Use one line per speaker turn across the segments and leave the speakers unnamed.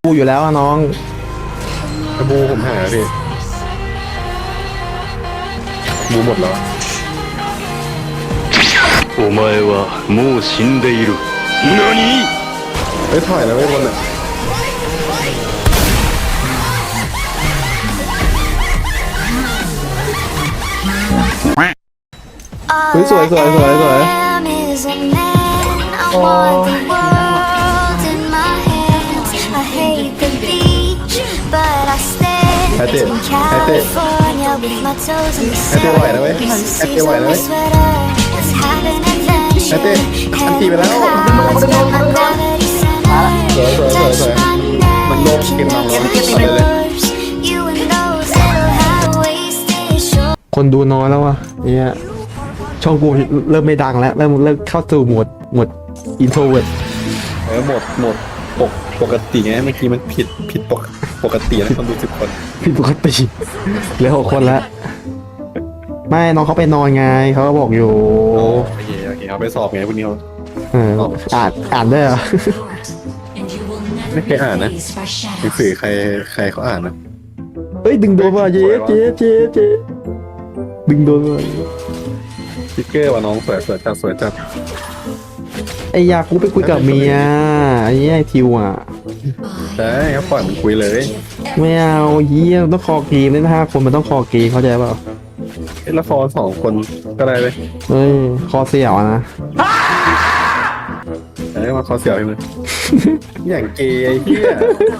กูอยู่แล้วอะน้อง
กระบูผมหาพี่บูหมดแล้ว
お前はもう死んでいる。何？
เฮ้ยถอยแล้วไม่บนอ่ะ
สวยสวยสวยสวย
ไอเต้ไหวนะเว้ยไอเต้ไหวนะเว้ยไอเต้อันตีไปแล้วสวยสวยสวยสวยมันโลกกินมังแล้วต่อเลย
คนดูน้อยแล้ววะเนี่ยช่องกูเริ่มไม่ดังแล้วเริ่มเข้าสู่โหมดอินโทรเวิร์ด
หมดปกติไงเมื่อกี้มันผิดปกตินะคนดู10 คน
ผิดปกติเหลือ6 คนแล้วไม่น้องเขาไปนอนไงเขาก็บอกอยู่
โอเคเขาไปสอบไงพวกนี้เขา
อ่านได้เหรอ
ไม่เคยอ่านนะหนังสือใครเขาอ่านนะ
เฮ้ยดึงโดนว่ะเจ๊ดึงโดนว่ะ
สติ๊กเกอร์ว่าน้องสวยจัด
ไอ้ยากูไปคุยกับเมียไอ้เหี้ยไอ้ทิวอ่ะ
ใช่เขาปล่อยมันคุยเลย
ไม่เอาเหี้ยต้องคอเกมเล่น5 คนมันต้องคอเกมเข้าใจเปล่า
ละคร2 คนก็ได้เลย
เฮ้ยคอเสี่ยวนะ
มาคอเสี่ยวให้มึงอย่างเกย์ไอ้เหี้ย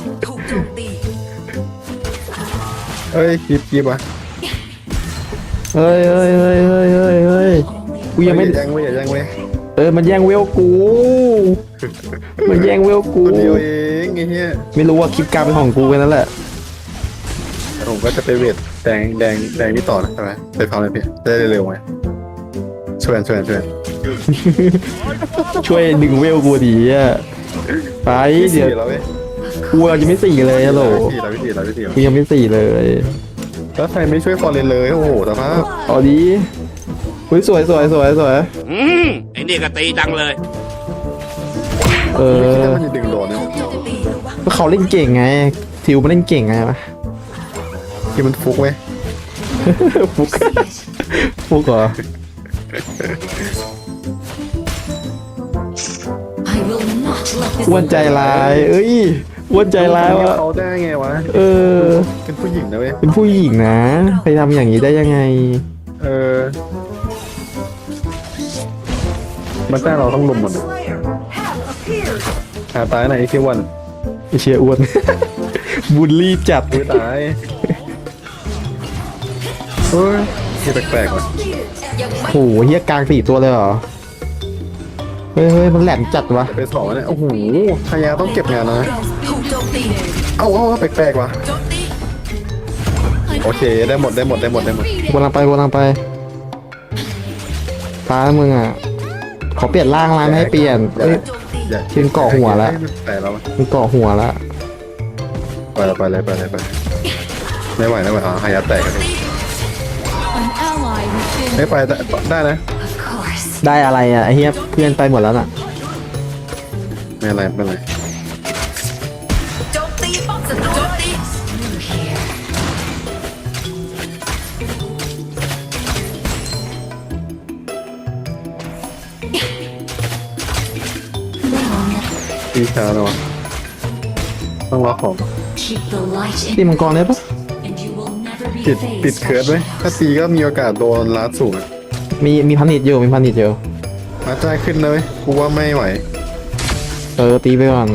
เฮ้ยกีบวะ
เฮ้ยกูยังไม่
อย่าแย่งเว้ย
มันแย่งเวลกูมันแย่งเวลกู
เดียวเองไอ้เหี้ย
ไม่รู้ว่าคลิปการเป็นของกูกันนั่นแหละ
ผมก็จะไปเวทแดงนี่ต่อนะใช่ไหมไปฟังเลยพี่ได้เร็วไหมช่วย
ช่วยดึงเวลกูดีอ่ะไปเดี๋ยวกูยังไม่4เลยฮัลโหลกูยังไม่4เลย
แล้วใครไม่ช่วยฟอร์เรนเลยโอ้โหสภาพ
เอาดีสวย
ไอ้นี่ก็ตีจังเลย
มันจะดึงโดนเนี่ย
เขาเล่นเก่งไงทิวมันเล่นเก่งไงวะ
ที่มันฟุกไหม
ฟุกเหรออ้วนใจร้ายอ้วนใจร้ายวะ
เขาได้ไงวะเป็นผู้หญิงนะเว้ย
เป็นผู้หญิงนะไปทำอย่างนี้ได้ยังไง
มันแต่เราต้องลุมหมดหาตายไหนที่วัน
เชียอ้วนบูลลี่จัด
ตายเฮ้ยที่แปลกๆว่ะ
โอ้โหเฮียกลาง4 ตัวเลยเหรอเฮ้ยมันแหลมจัดวะ
ไปสองเนี่ยโอ้โหขยะต้องเก็บงานนะเอาแปลกๆว่ะโอเคได้หมด
วนลังไปตามึงอ่ะขอเปลี่ยนร่างไม่ให้เปลี่ยนเทียนเกาะหัวแล้วมันเกาะหัวแล้ว
ไปเลยไม่ไหวหายาแตกกันไม่ไปได้นะ
ได้อะไรอ่ะไอ้เหี้ยเพื่อนไปหมดแล้วน่ะ
ไม่อะไร
โจมตีป้อมศัตรู
ตีช้าแล้วต้องล็อกของ
ตีมังกรได้ปะ
ติดเคิร์ดไหมถ้าตีก็มีโอกาสโดนลัดสูง
มีพันนิดอยู่
มาจ่ายขึ้นเลยกูว่าไม่ไหว
ตีไปก่อน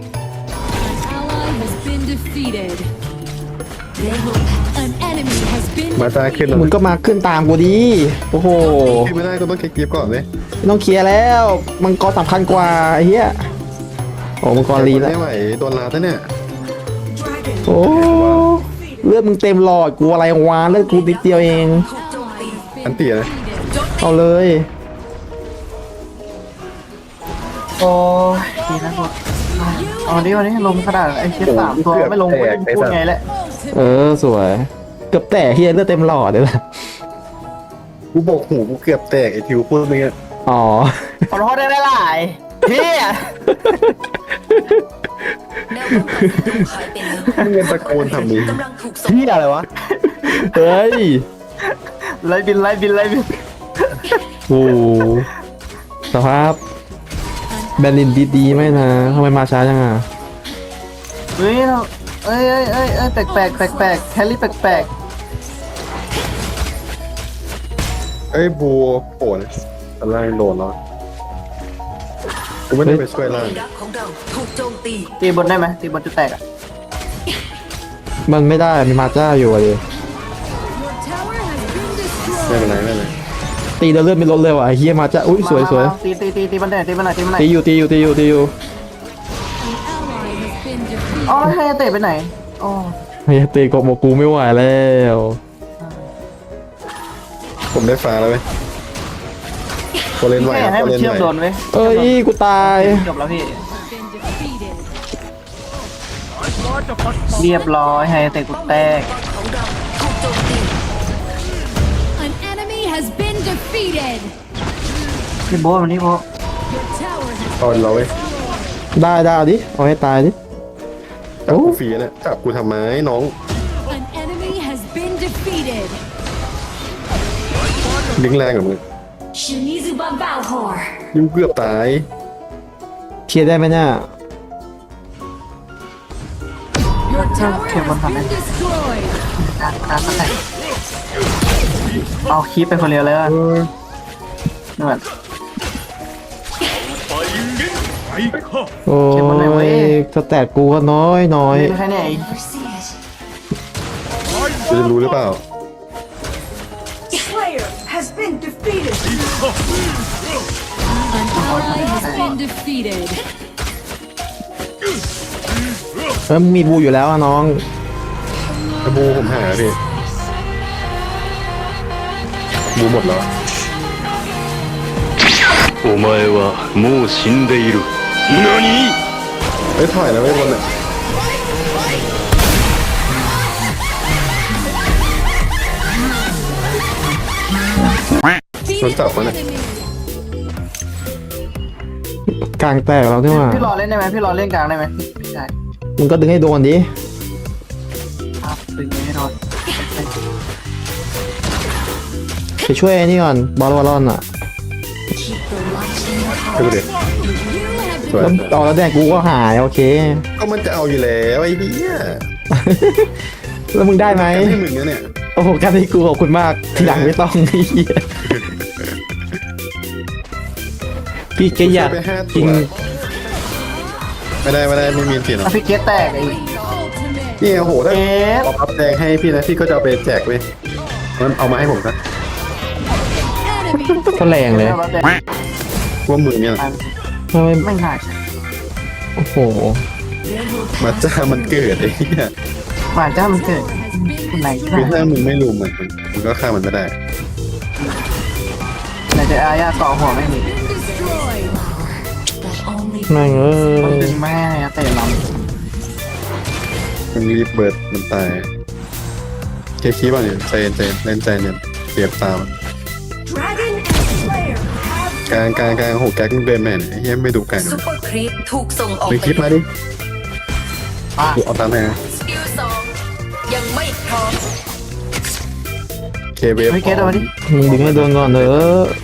มาจ่ายขึ้น
มึงก็มาขึ้นตามกูดีโอ้โห
ไม่ได้ก็ต้องเก็บกีบก่อนเลย
ต้องเคลียร์แล้วมังกรสำคัญกว่าไอ้เหี้ยโอ้มังกรลีแล้ว
ไม่ไหวโดนลาดเนี่ย
โอ้เลือดมึงเต็มหลอดกูอะไรวะเลือดกูนิดเดียวเอง
อันเตี๋ยนะ
เอาเลย
โอ้ดีนะกูวันนี้ลงขนาดไอ้เชี่ย3 ตัวไม่ลงพูดไงแหละ
สวยเกือบแตกเฮียเลือดเต็มหลอดเลยล่ะ
กูบอกหูกูเกือบแตกไอ้ทิวพูดเมื่อกี้
อ๋อ
ขอโทษได้หลายพี่
แนวป้องกันศัตรูหายไปแล้ว
มึงเงินตะโกนทำนี้
กำลังถูกส่ง
พี่อะไรวะ เฮ้ย
ไล่บินไล่บินไล่บิน
โอ้โหสภาพแบรนดินดีๆไหมนะทำไมมาช้าจังอ่ะ
เฮ้ยเราเอ้ยเอ้ยเอ้ยเอ้ยแปลกแปลกแปลกแปลกแฮร์รี่แปลกแปลก
เอ้ยบูโผล่ตอนแรกโดนแล้วกูไม่ได้ไปช่วยล่าง
รักของเราถูกโจมตี
ตีบนได้ไหมตีบนจะแตกอ่ะ
มันไม่ได้มีมาจ้าอยู่อะดิ
ไม่เป็นไรไม่เป็นไร
ตีเดินเลือดไม่ลดเลยว่ะไอ้เฮียมาจ้าอุ้ยสวยสวย
ตีตีตีตีมันได้ตีมันไหนตีมันไหน
ตีอยู่ตีอยู่ตีอยู่ตีอยู่
อ๋อแล้วให้เตะไปไหนอ๋อ
เฮียตีกบโมกูไม่ไหวแล้ว
ผมได้ฟ้าแล้วเว้ยโคเลนไหว
แค่
ครับ
ให้
โค
มัน
เลน
เชื่อ
ไห
ม
ว
โดนเว้ย
เอ้ยกูตาย
จบแล้วพี่เรียบร้อยให้เตะกูแตก
ของเราถูกโจมตี
An enemy has been defeated.
พี่โบ๊ทวันนี้โบ๊ท
Your tower has
ตอนเราเว้ย
ได้ได้เอาดิเอาให้ตายดิ
จับกูฟรีเนี่ยจับกูทำไมน้อง
an enemy has been defeated.
ลิงแรงกับมึง ยุ่งเกือบตาย
เคลียร์ได้ไหมเนี่ย
Your tower
Okay, one
has been
moment.
destroyed.
การแตกเอาคลิปไปคนเดียวเลยอ่ะนี่แบบ
โอ้
เก็บมันหน่อยเว้
ย
ย
สแตทกูก็น้อยน้อย
แค่นี้เอง
กูจะรู้หรือเปล่า
An ally has been defeated.
เออมึงมีบูอยู่แล้วอะน้อง
ไอ้บูผมหาพี่บูหมดแล้ว
お前はもう死んでいる何
เอ้ยถอยแล้วไอ้ยบนเนี่ยโดนจับมาเนี่ย
กลางแตกแล้วนี่หว่า
พี่รอเล่นได้ไหมพี่รอเล่นกลางได้ไหมได้
มึงก็ดึงให้โดนดิ
ครับดึงไม่โดน
ไปช่วยไอ้นี่ก่อนบอลวอลลอนอ่ะ
ดูดิ
You have
สวย
แล้วเอาแล้วแดงกูก็หายโอเค
ก็มันจะเอาอยู่แล้วไอ้เหี้ย
แล้วมึงได้ไหม
กันให้มึงนะเนี่ย
โอ้โหการที่กูขอบคุณมากทีหลังไม่ต้องไอ้เหี้ยพี่แกอยาก
ไป5
กิ
ตัวน ไม่ได้ไม่มีเปลี่ยนหรอ
ถ้ากพี่เกตแตกไอ้
ultimate.
นี่โอ้โหถ้า
เกต
ป๊อปอัพแดงให้พี่นะพี่ก็จะเอาไปแจกเว้ยงั้นเอามาให้ผมนะ
Enemy
ก็แรงเลย
ว่ามึงเนี่ย
ทำไม
ไม่ง่าย
โอ้โห
มาจ้ามันเกิดไอ้เหี้ย
หมาจ้ามันเกิด
has been
ไหน
คือถ้ามึงไม่รู้มันก็ฆ่ามันไม่ได้
ไหนจะอาญาต่อหัวไม่มี
destroyed.
แม่งเอ้
มัน
ย
ดึงแม่เตะล
มันรีบเบิร์ดมันตายเคคีบ้างเนี่ยใจเย็นเล่นใจเนี่ยเปรียบตามกลางโหแก๊กมึงเดินแม่นไอ้เหี้ยไม่ดูกลาง
ซุปเปอร์ครีปถูกส่งออก
ไป
ไป
คลิปมาดิ
ำอ่ะ
ดูเอาตามแม่
สกิล2ยังไม่พร้อม
เคเวฟ
พี่เกตเอามาดิ
มึงดึงให้โดนก่อนเถอะ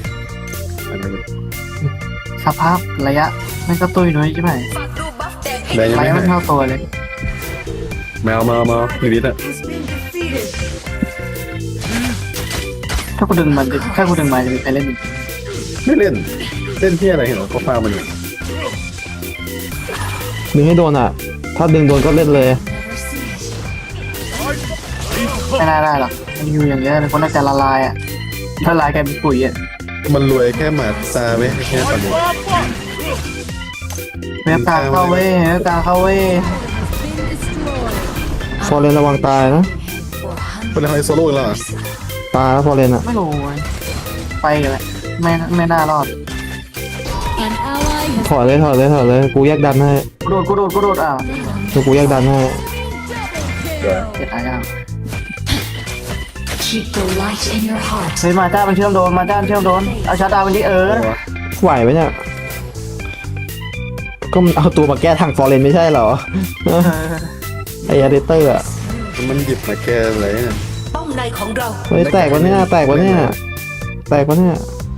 สภาพระยะไม่ก็ตุ้ยนุ้ยใช่ไหม
ฝากรูปบัฟแดงให้
แดงยัง
ระ
ไม่
ยะ
หา
ไม่
ย
เท่าตัวเลย
แมวมาอีลิทอ่ะ
ถ้ากูดึงมันจะถ้ากูดึงมาจะมีใครเล่นอีก
ไม่เล่นที่อะไรเหรอก็ฟาร์มมันอยู่
ดึงให้โดนอ่ะ ถ้าดึงโดนก็เล่นเลย
ไม่น่าได้หรอกมันอยู่อย่างเงี้ยเลยคนน่าจะละลายอ่ะละลายกลายเป็นปุ๋ยอ่ะ
มันรวยแค่หมาตาเว้ยแค่ตอนนี้
เว็บกลางเข้าเว้ยเว็บกลางเข้าเว้ย
ฟอร์เรนระวังตายนะ
เป็นอะไรโซโล่อีกแล้วเหรอ
ตายแล้วฟอร์เรนอ่ะ
ไม่รู้เว้ยไปกันแหละไม่น่ารอด
An ally has
ถอยเลยกูแยกดันให้
กูโดดอ่ะ
กูแยกดันให้
เจ็ดอาญาเฮ้ยมาจ้ามันเชื่อมโดนเอาชาร์จดาวมันดิ
อะไรวะ
ไหวไหมเนี่ยก็มันเอาตัวมาแก้ทางฟอร์เรนไม่ใช่เหรอไออาร์เดเตอร์อะ
มันหยิบมาแก้อะไรเนี่ย
ป้อมในของเรา
เฮ้ยแตกวะเนี่ยแตกวะเนี่ยแตกวะเนี่ย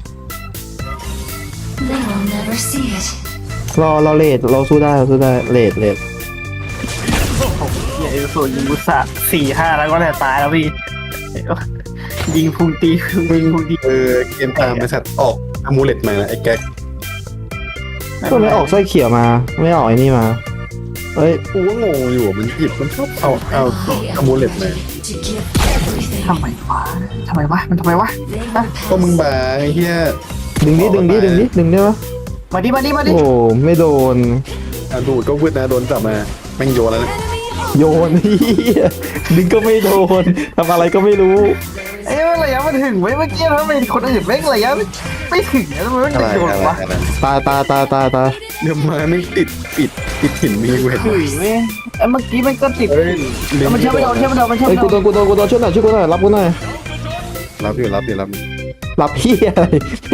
They will never see it.
เราเลดเราสู้ได้เลด
เฮียเอลสูยิงบุษะ4-5แล้วก็แหละตายแล้วพี่ยิงพุงตีพุงตี
เกมตามบริษัทออกอะมูเลตมาไอ้แก๊ก
ก็ไม่ออกสร้อยเขียวมาไม่ออกไอ้นี่มาเฮ้ย
กูก็งงอยู่มันหยิบมันชอบเอาอะมูเลตมา
To give everything.
ทำไมวะมันทำไมวะ
ก็มึงบาไอ้เหี้ย
ดึงได้ปะ
มาดิ
โอ้ไม่โดน
ดูดก็วืดนะโดนจับมาแม่งโยนแล้วนะ
โยนเฮียดึงก็ไม่โดนทำอะไรก็ไม่รู้
เอ้ยระยะมันถึงไว้เมื่อกี้ทำไมคนอื่นแม่งระยะไม่ถึงแล้วทำไมมัน
อะไร
จะโดนวะ
ตาย
เดี๋ยวมาไม่ติดหินมีกูเห็น
ถึงเว้ยไอ้เมื่อกี้มันก็ติด
เฮ้ย
มันเชื่อไม่โดนมันเชื่อ
เฮ้ย
ไม่โดน
กูโดนช่วยหน่อยรับกูหน่อย
รับอยู่
รับเฮียอะไร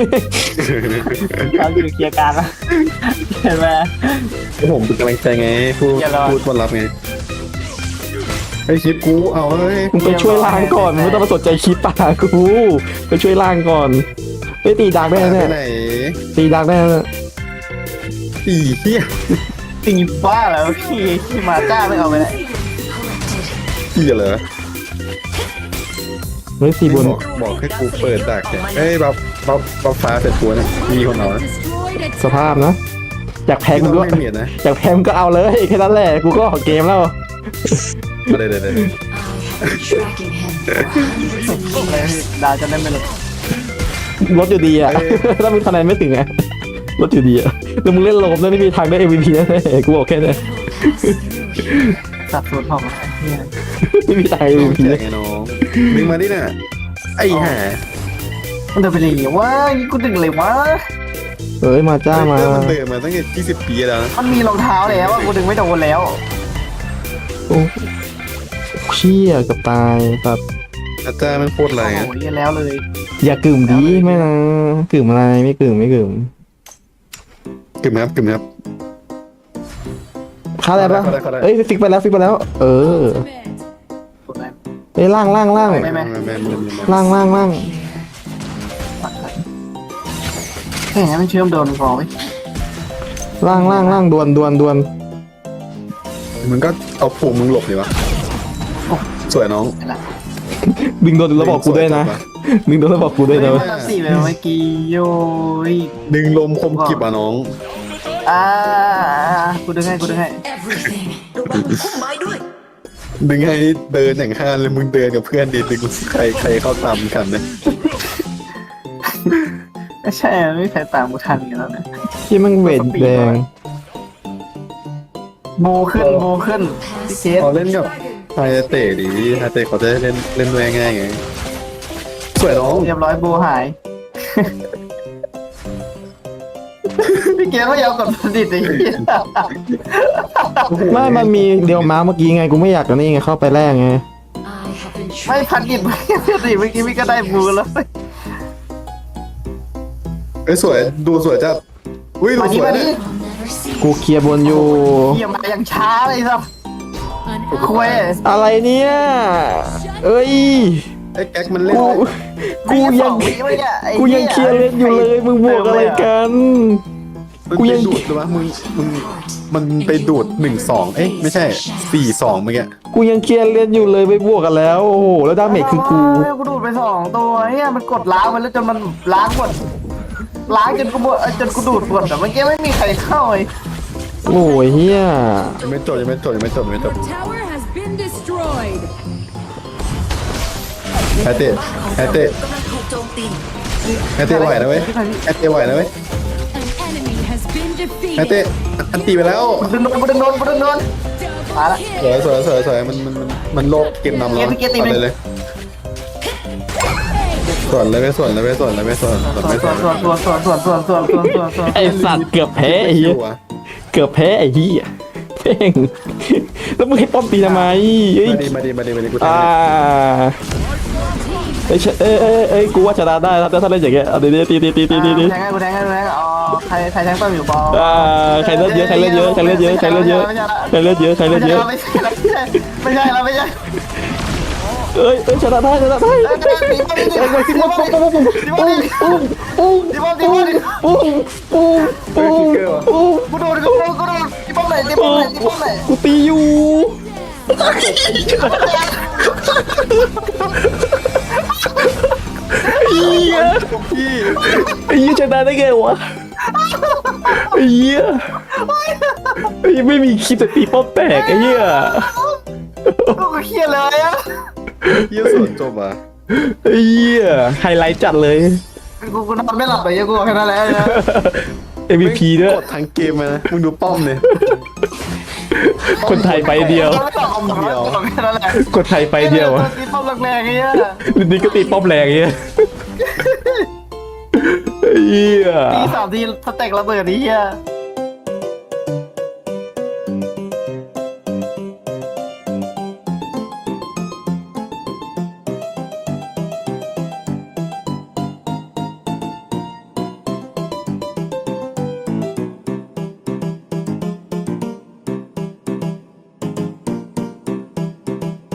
เราอยู่เคลียร์การแล้วเห็นไหม
ผมเป็นกำลังใจไงพูด
อย่ารอ
พูดวันรับไงไอ้คลิปกูเอาเฮ้ย
มึงไปช่วยล้างก่อนมึงไม่ต้องมาสนใจคลิปป่ากูไปช่วยล้างก่อนไปตีดักได้
ไป
เนี่ย
ไหน
ตีดักได้เนี่ย
ตีเหี้ย
ตีบ้าแล้วพี่มาจ้าไม่เอาไปเลย
เหี้ยเหรอ
เฮ้ยตีบน
บอกให้กูเปิดดักเนี่ยเอ้ยบัฟฟ้าเสร็จตัวเนี่ยมีคนเอานะ
Destroyed a
สภาพนะอยากแพ้
ไม่
มึง
ต้
ก็
องไม่เมียดนะ
อยากแพ้มึงก็เอาเลยแค่นั้นแหละกูก็ออกเกมแล้ว
เดี๋ยว
tracking him for hundreds of years.
ดาวจะได้ไม่หลุด
ลดอยู่ดีอ่ะถ้ามึงคะแนนไม่ถึงไงลดอยู่ดีอ่ะแล้วมึงเล่นโลมแล้วไม่มีทางได้ MVP แน่ๆกูบอกแค่นี้
สับสนของเนี่ย
ไม่มีทาง
น้อง
MVP
แจกไงน้องดึงมาดิน่ะไอ้ห่า
มันเดินไปเลยว่านี่กูดึงเลยวะ
เอ้ยมาจ้ามา
มันเดินมาตั้งแต่20 ปีแล้วนะ
มันมีรองเท้าแล้วกูดึงไม่โดนแล้ว
โอ้เชี่ยกับตายแบบ
อาจารย์มันโคตรแรง
โอ้
อะ
โหเรียนแล้วเลย
อย่ากึ่มดีไม่นะกึ่มอะไรไม่กึ่ม
กึ่มครับ
ฆ่าได้ปะ
เข้าได้
เอ้ยฟิกไปแล้ว เออ
Ultimate.
เอ้ยล่าง
แม่
ล่าง
แม่
แค่นี้มันเชื่อมโดนพอไหม
ล่างดวน
มึงก็เอาผูมึงหลบดิวะสวยน้อง
ดึงโดนแล้วบอกกูด้วยนะดึงโดนแล้วบอกกูด้วยนะ
มันรับสี่ไปเมื่อกี้โย้ย
ดึงลมคมกิบอ่ะน้อง
กูดึงให้
everything ระวังพุ่มไม้ด้วย
ดึงให้เดินอย่างห้านเลยมึงเดินกับเพื่อนดิดึงใครเข้าตามกันเนี่ย
ไม่ใช่ไม่มีใครตามกูทันกันแล้วนะ
ที่มันเวทแดง
โมขึ้นพี่เคส
เขาเล่นกับไฮเตะดิไฮเตะเขาจะเล่นด้วยง่ายไงสวยน้อง
เรียบร้อยโบหาย พี่เกมไม่ยอมกดผลิตเลย
ไม่มันมีเดียวม้าเมื่อกี้ไงกูไม่อยากกันนี่ไงเข้าไปแรกไง
I have been
ไม่พันดิตไม่สิเมื่อกี้พี่ก็ได้บูแล้ว
เอ้ยสวยดูสวยจัดอุ้ยดู
มา
ส
นี่
วย
มา
เนี่
นี่
ย
never see
กูเคลียร์บนอยู่
เยี่ยมมายังช้าเลยครับ
an
คุย
ally.
อะไรเนี่ยเอ้ย
ไอ้แก๊กมันเล่น
กูยังเคลียร์เล่นอยู่เลยมึงบวกอะไรกัน
กูยังดูดหรือวะมันไปดูด1-2เอ้ยไม่ใช่4-2เมื่อกี้
กูยังเคลียร์เล่นอยู่เลยไปบวกกันแล้วโอ้โหแล้วดาเมจคือกู
กูดูดไป2ตัวเฮียมันกดล้างมันแล้วจนมันล้างหมดล้างจนกูดูดหมดแต่เมื่อกี้ไม่มีใครเข้าเลย
โอ้ยเฮีย
ยังไม่จบ
Tower has been destroyed.
ไฮเตะ
กำลังถูกโจมตี
ไฮเตะไหวนะเว้ย
An enemy has been
ไฮเตะ
defeated.
อันตีไปแล้ว
ดึงโดนมาละ
Double kill.
สวยมันโลบเกมนำแล้วเลยส่วนเลยไม่ส่วน
ไอสัตว์เกือบแพ้ไอ้เหี้ยเกือบแพ้ไอ้เหี้ยเพ่งแล้วมึงให้ป้อมตีทำไมเอ้ย
มาดีกู
อ่าเอ้ยกูว่าชนะได้ถ้าเล่นอย่างเงี้ยเอาดี
แทงให้กูแทงอ๋อใครแทงป้อมอยู่บอล
ใครเลือดเยอะใครเลือดเยอะใครเลือดเยอะใครเลือดเยอะใครเลือดเยอะใครเลือดเยอะ
ไม่ใช่แล้วไม่ใช่
เอ้ยชนะได้ชนะได้
กูโดนที่ป้อมไหนที่ป้อมไหนที่ป้อมไหน
กูตีอยู่เหี้ยไอ้เหี้ยชนะได้ไงวะไอ้เหี้ยไม่มีคลิปแต่ตีป้อมแตกไอ้เหี้ย
กูเครียดเลยอ่ะ
เยี่ยสวนจบอ่ะ
ไอ้เหี้ยไฮไลท์จัดเลย
กูนอนไม่หลับเลยกูแค่นั้นแหละนะ
MVP ด้วย
กดทั้งเกมเลยนะมึงดูป้อมเลย
คนไทยไปเดียว
แค่นั้นแหละ
คนไทยไปเดียวอะ
ที่ป้อมแรงๆเงี้ย
นี่ก็ตีป้อมแรงเงี้ยเหี้ย
ตี3 ทีสเต็กระเบิดนี้เฮีย